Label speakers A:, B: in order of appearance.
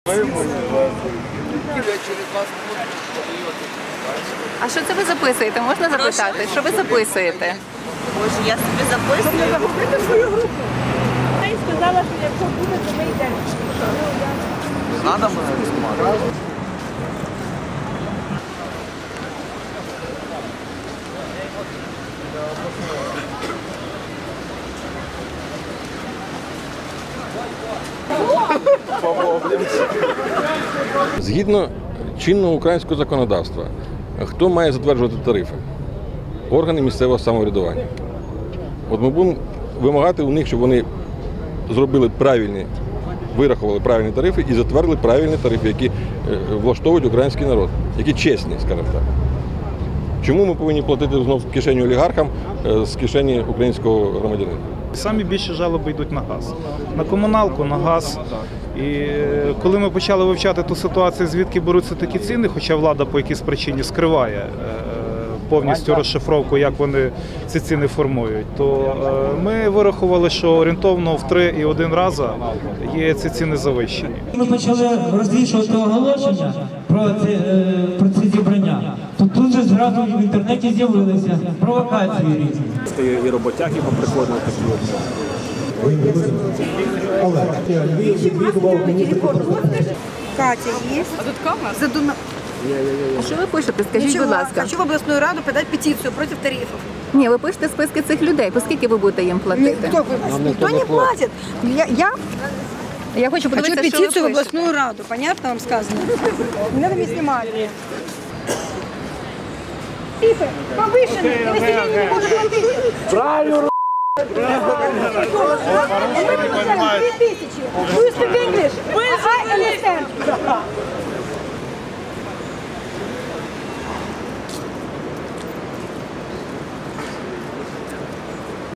A: А що це ви записуєте? Можна запитати? Що ви записуєте?
B: Боже, я собі записую.
C: Запустити свою групу. Вона сказала, що якщо буде, то ми йдемо.
D: Надо мене знімати?
E: Згідно чинного українського законодавства, хто має затверджувати тарифи? Органи місцевого самоврядування. От ми будемо вимагати у них, щоб вони зробили правильні, вирахували правильні тарифи і затвердили правильні тарифи, які влаштовують український народ, які чесні, скажімо так. Чому ми повинні платити знову в кишені олігархам з кишені українського громадянина?
F: Самі більше жалоби йдуть на газ. На комуналку, на газ. І коли ми почали вивчати ту ситуацію, звідки беруться такі ціни, хоча влада по якійсь причині скриває повністю розшифровку, як вони ці ціни формують, то ми вирахували, що орієнтовно в 3,1 рази є ці ціни завищені.
G: Ми почали розвішувати оголошення про це зібрання. Тут же зразу в інтернеті з'явилися провокації різні.
H: І роботяги поприходили такі.
C: Катя є.
A: А тут камера? А що ви пишете? Скажіть, будь ласка.
C: Хочу в областную раду подать петицию против тарифов.
A: Ні, ви пишете списки цих людей. По скільки ви будете їм платити?
C: Никто не платит.
A: Я хочу
C: Хочу
A: подивитися, що ви
C: петицию в
A: пишете.
C: областную раду. Понятно вам сказано? Не надо мне снимать. Тарифы повышены, и население не может платить. Правильно. 3000. Do you speak English? I understand.